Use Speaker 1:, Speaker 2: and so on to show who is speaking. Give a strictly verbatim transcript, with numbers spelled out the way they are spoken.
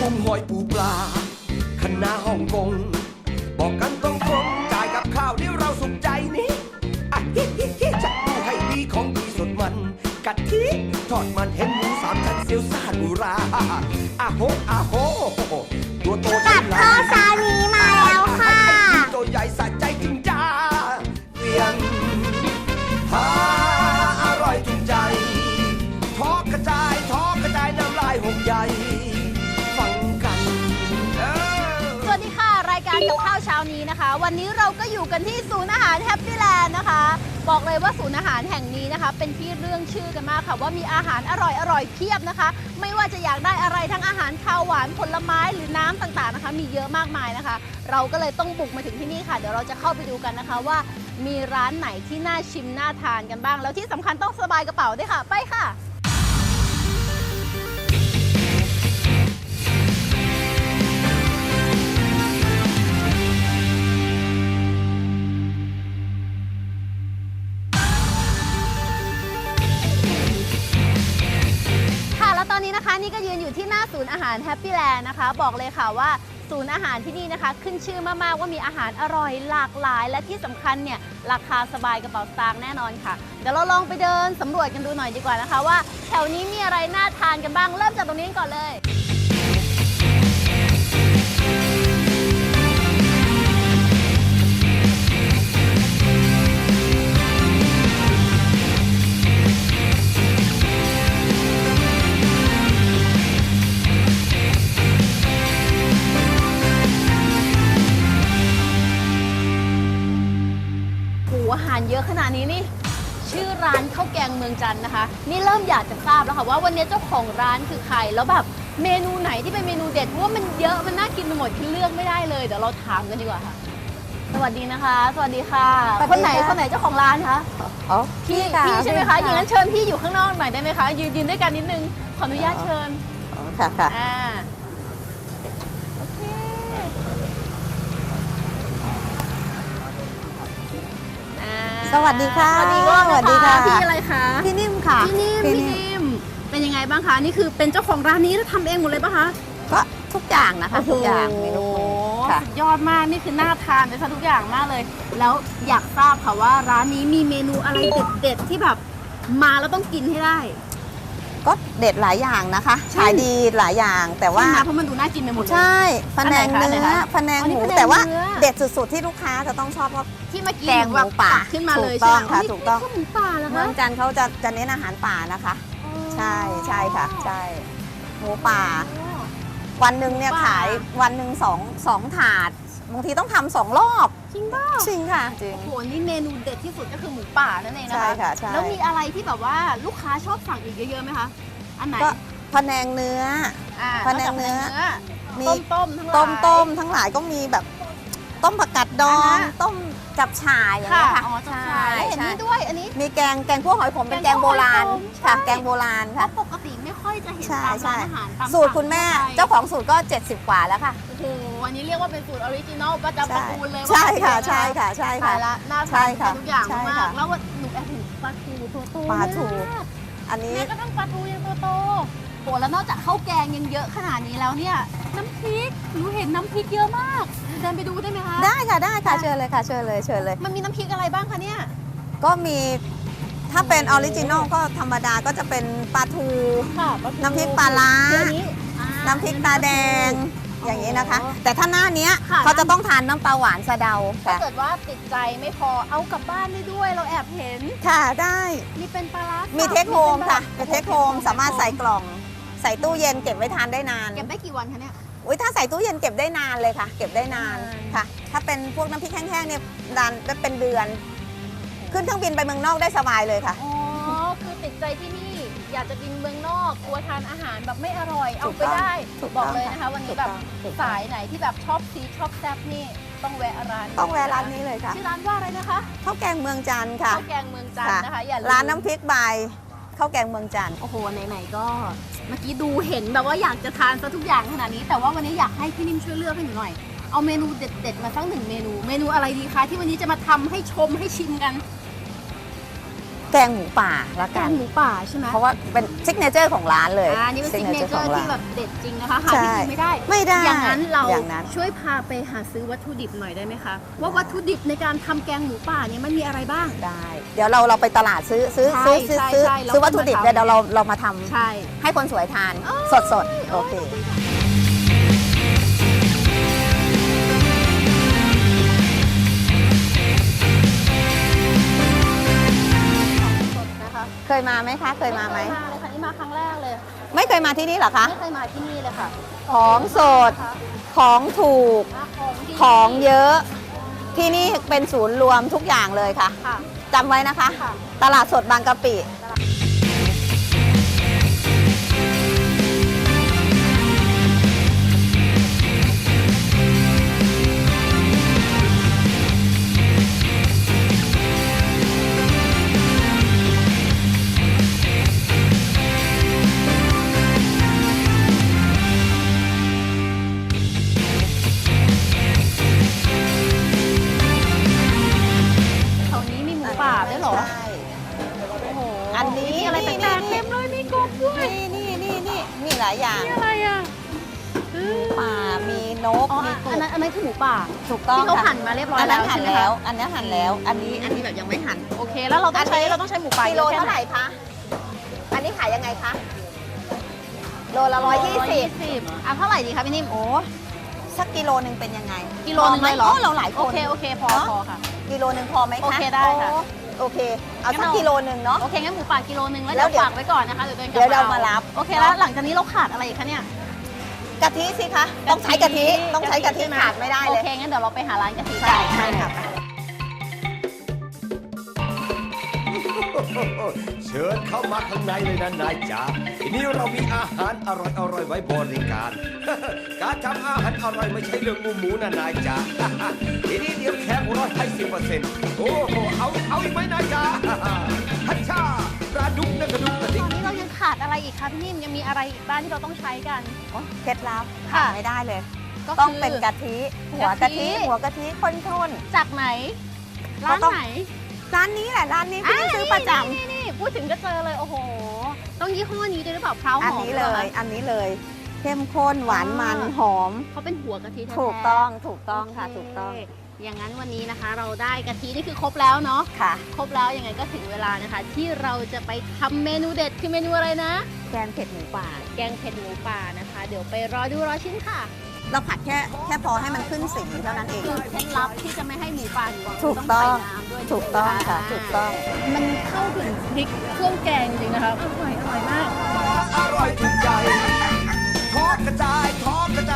Speaker 1: กุ้งหอยปูปลาคณะฮ่องกงบอกกันตรงๆจ่ายกับข้าวเดี๋ยวเราสุขใจนี่อ่ะฮิฮิฮิจัดดูให้ดีของดีสดมันกะทิทอดมันเห็นหมูสามชั้นเซียวซ่าดูราอ่ะโหอ่ะโหตัวโต
Speaker 2: กับข้าวเช้านี้มาแล้วค่ะ
Speaker 1: ตัวใหญ่สะใจจริงจ้าเวียนหาอร่อยจริงใจทอกกระจายทอกกระจายน้ำลายหกใหญ่ฟังกัน
Speaker 3: สวัสดีค่ะรายการกับข้าวเช้านี้นะคะ วันนี้เราก็อยู่กันที่ศูนย์อาหารแฮปปี้แลนด์นะคะบอกเลยว่าศูนย์อาหารแห่งนี้นะคะเป็นที่เรื่องชื่อกันมากค่ะว่ามีอาหารอร่อยอร่อยเพียบนะคะไม่ว่าจะอยากได้อะไรทั้งอาหารคาวหวานผลไม้หรือน้ำต่างๆนะคะมีเยอะมากมายนะคะเราก็เลยต้องบุกมาถึงที่นี่ค่ะเดี๋ยวเราจะเข้าไปดูกันนะคะว่ามีร้านไหนที่น่าชิมน่าทานกันบ้างแล้วที่สำคัญต้องสบายกระเป๋าด้วยค่ะไปค่ะตอนนี้นะคะนี่ก็ยืนอยู่ที่หน้าศูนย์อาหารแฮปปี้แลนด์นะคะบอกเลยค่ะว่าศูนย์อาหารที่นี่นะคะขึ้นชื่อมากๆว่ามีอาหารอร่อยหลากหลายและที่สำคัญเนี่ยราคาสบายกระเป๋าสตางค์แน่นอนค่ะเดี๋ยวเราลองไปเดินสำรวจกันดูหน่อยดีกว่านะคะว่าแถวนี้มีอะไรน่าทานกันบ้างเริ่มจากตรงนี้ก่อนเลยอาหารเยอะขนาดนี้นี่ชื่อร้านข้าวแกงเมืองจันทร์นะคะนี่เริ่มอยากจะทราบแล้วค่ะว่าวันนี้เจ้าของร้านคือใครแล้วแบบเมนูไหนที่เป็นเมนูเด็ดเพราะว่ามันเยอะมันน่ากินไปหมดที่เลือกไม่ได้เลยเดี๋ยวเราถามกันดีกว่าค่ะสวัสดีนะคะสวัสดีค่ะคนไหนคนไหนเจ้าของร้านคะ
Speaker 2: อ๋อ
Speaker 3: พี่พี่ใช่ไหมคะอย่างนั้นเชิญพี่อยู่ข้างนอกหน่อยได้ไหมคะยืนยืนด้วยกันนิดนึงขออนุญาตเชิญ
Speaker 2: ค่ะค่ะ
Speaker 3: อ่า
Speaker 2: สวัสดีค่ะ
Speaker 3: สวัสดีสวัสดีค่ะพี่อะไรคะ
Speaker 2: พี่นิ่มค่ะ
Speaker 3: พี่นิ่มพี่นิ่มเป็นยังไงบ้างคะนี่คือเป็นเจ้าของร้านนี้แล้วทำเองหมดเลยปะคะ
Speaker 2: ก็ทุกอย่างนะคะทุกอย่างเมนู
Speaker 3: สุดยอดมากนี่คือน่าทานเลยค่ะทุกอย่างมากเลยแล้วอยากทราบค่ะว่าร้านนี้มีเมนูอะไรเด็ดๆที่แบบมาแล้วต้องกินให้ได้
Speaker 2: ก็เด็ดหลายอย่างนะคะขายดีหลายอย่างแต่ว่า
Speaker 3: เพราะมันดูน่ากินไปหมดเลย
Speaker 2: ใช่พะแนงเนื้อพะแนงหมูแต่ว่าเด็ดสุดๆที่ลูกค้าจะต้องชอบก็
Speaker 3: ที่เมื่อกี้
Speaker 2: แกงหมูป่า
Speaker 3: ขึ้นมาเลย
Speaker 2: ใช่ไหมค่ะถูกต้อง
Speaker 3: หมูป่าแล้วนะ
Speaker 2: เมืองจันทร์เขาจะจะเน้นอาหารป่านะคะใช่ใช่ค่ะใช่หมูป่าวันหนึ่งเนี่ยขายวันหนึ่งสองสองถาดบางทีต้องทำสองรอบ
Speaker 3: จริงป่ะ
Speaker 2: จริงค่ะจริง
Speaker 3: โอ้โหนี่เมนูเด็ดที่สุดก็คือหมูป่านั่นเองนะคะ
Speaker 2: ใช่ค่ะใช่
Speaker 3: แล้วมีอะไรที่แบบว่าลูกค้าชอบสั่งอีกเยอะๆไหมคะอันไหน
Speaker 2: ก็พะแนงเนื้อพะแนงเนื้อ
Speaker 3: มีต้ม
Speaker 2: ต้มต้มทั้งหลายก็มีแบบต้มผักกาดดองต้มจับฉ่ายอย่างเงี้ยค่ะ
Speaker 3: อ๋อจับฉ่ายเห็นนี่ด้วยอันนี้
Speaker 2: มีแกงแกงคั่วหอยขมเป็นแกงโบราณค่ะแกงโบราณค่ะ
Speaker 3: ปกติไม่ค่อยจะเห็นตามร้านอาหาร
Speaker 2: สูตรคุณแม่เจ้าของสูตรก็เจ็ดสิบกว่าแล้วค่ะ
Speaker 3: โอ้โหอันนี้เรียกว่าเป็นสูตรออริจินอลประจำตระกูลเลย
Speaker 2: ใช่ค่ะใช่ค่ะใช่ค่ะ
Speaker 3: น่าทานทุกอย่างมากแล้วหนูแอบเห็นปลาทูตัวโต
Speaker 2: ปลาทูอันนี้
Speaker 3: แม่ก็ต้องปลาทูยังตัวโตโหแล้วนอกจากข้าวแกงยังเยอะขนาดนี้แล้วเนี่ยน้ำพริกหนูเห็นน้ำพริกเยอะมากเดินไปดูได้ไหมคะ
Speaker 2: ได้ค่ะได้ค่ะเชิญเลยค่ะเชิญเลยเชิญเลย
Speaker 3: มันมีน้ำพริกอะไรบ้างคะเนี่ย
Speaker 2: ก็มีถ้าเป็นออริจินอลก็ธรรมดาก็จะเป็นปลาทูน้ำพริกปลาล้าน้ำพริกตาแดงอย่างนี้นะคะแต่ถ้าหน้านี้เขาจะต้องทานน้ำปลาหวานสะเดา
Speaker 3: ถ้าเกิดว่าติดใจไม่พอเอากลับบ้านได้ด้วยเราแอบเห็น
Speaker 2: ค่ะได้
Speaker 3: มีเป็นปลาล้า
Speaker 2: มีเทคโฮมค่ะเป็นเทคโฮมสามารถใส่กล่องใส่ตู้เย็นเก็บไว้ทานได้นาน
Speaker 3: เก็บได้กี่วันคะเนี่ย
Speaker 2: อุ้ยถ้าใส่ตู้เย็นเก็บได้นานเลยค่ะเก็บได้นานค่ะถ้าเป็นพวกน้ำพริกแห้งๆเนี่ยนานได้เป็นเดือนขึ้นเครื่องบินไปเมืองนอกได้สบายเลยค่ะ
Speaker 3: อ๋อคือติดใจที่นี่อยากจะบินเมืองนอกกลัวทานอาหารแบบไม่อร่อยเอาไปได้บอกเลยนะคะวันนี้แบบสายไหนที่แบบชอบซีชอบแซ่บนี่ต้องแวะร้าน
Speaker 2: ต้องแวะร้านนี้เลยค่ะ
Speaker 3: ชื่อร้านว่าอะไรนะคะ
Speaker 2: ข้าวแกงเมืองจันทร์ค่ะ
Speaker 3: ข้าวแกงเมืองจันทร์นะคะอย่าลืม
Speaker 2: ร้านน้ำพริกใบข้าวแกงเมืองจันทร์
Speaker 3: โอ้โหไหนๆก็เมื่อกี้ดูเห็นแบบว่าอยากจะทานซะทุกอย่างขนาดนี้แต่ว่าวันนี้อยากให้พี่นิ่มช่วยเลือกให้หนูหน่อยเอาเมนูเด็ดๆมาสักหนึ่งเมนูเมนูอะไรดีคะที่วันนี้จะมาทำให้ชมให้ชิมกัน
Speaker 2: แกงหมูป่าละ
Speaker 3: แก
Speaker 2: กัน
Speaker 3: งหมูป่าใช่ไหม
Speaker 2: เพราะว่าเป็นซิกเนเจอร์ของร้านเลย
Speaker 3: อ่านี่เป็นซิกเนเจอ
Speaker 2: signature
Speaker 3: ร์
Speaker 2: ของ
Speaker 3: ที่แบ
Speaker 2: ร้าน
Speaker 3: บเด็ดจริงนะคะหา
Speaker 2: ใช่
Speaker 3: ที่กินไม่ได้
Speaker 2: ไม่ได้
Speaker 3: อย่างนั้นเรา
Speaker 2: อย่างนั้น
Speaker 3: ช่วยพาไปหาซื้อวัตถุดิบหน่อยได้ไหมคะว่าวัตถุดิบในการทำแกงหมูป่าเนี่ยมันมีอะไรบ้าง
Speaker 2: ได้ เดี๋ยวเราเราไปตลาดซื้อซื้อ
Speaker 3: ใช่
Speaker 2: ซื้อซื้อ
Speaker 3: ใช่
Speaker 2: ซื้อ
Speaker 3: ใช่แล้ว
Speaker 2: ซื้อวัตถุดิบ
Speaker 3: ค่อยมาทำ
Speaker 2: เดี๋ยวเราเรามาทำ
Speaker 3: ใช่
Speaker 2: ให้คนสวยทานสดสดๆโอเค
Speaker 3: สดนะคะ
Speaker 2: เคยมาไหมคะ เคยมาไหม
Speaker 3: ไเคยมาเลยค่ะนี่มาครั้งแรกเลย
Speaker 2: ไม่เคยมาที่นี่เหรอคะ
Speaker 3: ไม่เคยมาที่นี่เลยค่ะ
Speaker 2: ของสด ของถูก
Speaker 3: อ่ะของดี
Speaker 2: ของเยอะ ที่นี่เป็นศูนย์รวมทุกอย่างเลยค่ะ
Speaker 3: ค่ะ
Speaker 2: จำไว้นะคะ
Speaker 3: ค่ะ
Speaker 2: ตลาดสดบางกะปิ
Speaker 3: แถวนี้มีหมูป่าด้วยเหรอ
Speaker 2: ใช่
Speaker 3: โอ้โห
Speaker 2: อันนี้
Speaker 3: มีอะไรแปลกๆเต็มเลยมีกบด้วย
Speaker 2: นี่นี่นี่นี่มีหลายอย่าง
Speaker 3: นี่อะไรอ่ะ
Speaker 2: ป่ามีนก
Speaker 3: อ๋อ
Speaker 2: มีก
Speaker 3: อัน
Speaker 2: บ
Speaker 3: นั้นอันนั้นคือหมูป่า
Speaker 2: ถูกต้อง
Speaker 3: ที่เขา
Speaker 2: ค่ะ
Speaker 3: หั่นมาเรียบร้อย
Speaker 2: อัน
Speaker 3: แล้
Speaker 2: นั้น
Speaker 3: ว
Speaker 2: หั่น
Speaker 3: ใช่ไหม
Speaker 2: แล้ว
Speaker 3: คะ
Speaker 2: อันนี้หั่นแล้ว อันนี้อันนี้แบบยังไม่หั่น
Speaker 3: โอเค แล้วเราต้องใช้
Speaker 2: อันนี้
Speaker 3: เราต้องใช้หมูป่า
Speaker 2: กิโล
Speaker 3: ยอะแค่
Speaker 2: เท่าไหร่คะ อันนี้ขายยังไงคะ โลละร้อยยี่สิบ
Speaker 3: สิบอ่ะเท่าไหร่ดีคะพี่นิ่ม
Speaker 2: โอ้สักกิโลหนึ่งเป็นยังไง
Speaker 3: กิโลนึงเลยเหรอ
Speaker 2: พไหมเราหลายคน
Speaker 3: โอเคโอเคพอ
Speaker 2: เนอะ
Speaker 3: พอค่ะ
Speaker 2: กิโลหนึ่งพอไหมคะ
Speaker 3: โอเคได้ค่ะ
Speaker 2: โอ้โอเค เอา
Speaker 3: งั้น
Speaker 2: สัก
Speaker 3: เอากิ
Speaker 2: กิโลหนึ่งเนาะ
Speaker 3: โอเคงั้นหมูป่ากิโลนึงแล้ว
Speaker 2: แล้
Speaker 3: เดี๋ยว ว
Speaker 2: เดี๋ยว
Speaker 3: ฝากไว้ก่อนนะคะเดี๋ยวเดินกลับ
Speaker 2: เดี๋ยวเรามารับ
Speaker 3: โอเคแล้วหลังจากนี้เราขาดอะไรอีกคะเนี่ย
Speaker 2: กะทิสิคะ ต้องใช้กะทิ ต้องใช้กะทิ
Speaker 3: ใช่ห
Speaker 2: ขาดไม่ได้เลย
Speaker 3: โอเคงั้นเดี๋ยวเราไปหาร้านกะทิ
Speaker 2: ใช่
Speaker 3: กัน
Speaker 2: ใช่ค่ะ
Speaker 1: เชิญเข้ามาข้างในเลยนะนายจ๋าทีนี้เรามีอาหารอร่อยอร่อยๆไว้บริการ การทำอาหารอร่อยไม่ใช่เรื่องหมูหมูนะนายจ๋า ทีนี้เดี๋ยวแขกร้อยให้สิบเปอร์เซ็นต์โอ้โหเอาเอาอีกไหมนายจ๋า ฮัชชาปลาดุกนะกระดุกกระดิ
Speaker 3: ต
Speaker 1: ก
Speaker 3: อนนี้เรายังขาดอะไรอีกคะพี่นิ่มยังมีอะไรอีกบ้างที่เราต้องใช้กัน
Speaker 2: โอ้เคล็ดลับ
Speaker 3: ค่ะ
Speaker 2: ขาดไม่ได้เลย
Speaker 3: ก็
Speaker 2: ต้อง
Speaker 3: คือ
Speaker 2: เป็นกะทิ หัว
Speaker 3: กะ
Speaker 2: กะ
Speaker 3: ทิ
Speaker 2: ทิ หัวกะทิข้น
Speaker 3: จากไหน ร้าน
Speaker 2: ก็ต้อง
Speaker 3: ไหน
Speaker 2: ๆร้านนี้แหละ ร้านนี้พี่นี่ซื้อประจำ
Speaker 3: นี่นี่พูดถึงก็เจอเลยโอ้โห ต้องยี่ห้อนี้ด้วยหรือเปล่าเพราห
Speaker 2: อัน
Speaker 3: อม
Speaker 2: นี้
Speaker 3: ห
Speaker 2: เล
Speaker 3: รอคะ
Speaker 2: ย อันนี้เลย เข้มข้นหวานมัน
Speaker 3: อ่า
Speaker 2: หอม
Speaker 3: เขาเป็นหัวกะทิแท้ๆ
Speaker 2: ถูกต้อง ถูกต้องค่ะ
Speaker 3: โเ
Speaker 2: ถูกต้อง
Speaker 3: อย่างนั้นวันนี้นะคะ เราได้กะทินี่คือครบแล้วเนาะ
Speaker 2: ค่ะ
Speaker 3: ครบแล้วยังไงก็ถึงเวลานะคะ ที่เราจะไปทำเมนูเด็ดคือเมนูอะไรนะ
Speaker 2: แกงเผ็ดหมูป่า
Speaker 3: แกงเผ็ดหมูป่านะคะ เดี๋ยวไปรอดูรอชิ้นค่ะ
Speaker 2: เราผัดแค่แค่พอให้มันขึ้นสีเท่านั้นเอง
Speaker 3: คือเคล็ดลับที่จะไม่ให้หมูป่าหนี
Speaker 2: ถูกต้อง
Speaker 3: ใส่น้ำด้วย
Speaker 2: ถูกต้องค่ะ ถูกต้อง
Speaker 3: มันเข้าถึงพริกเครื่องแกงจริงนะคะอร่อยอร่อยมาก
Speaker 1: อร่อยถูกใจทอดกระจายทอดกระ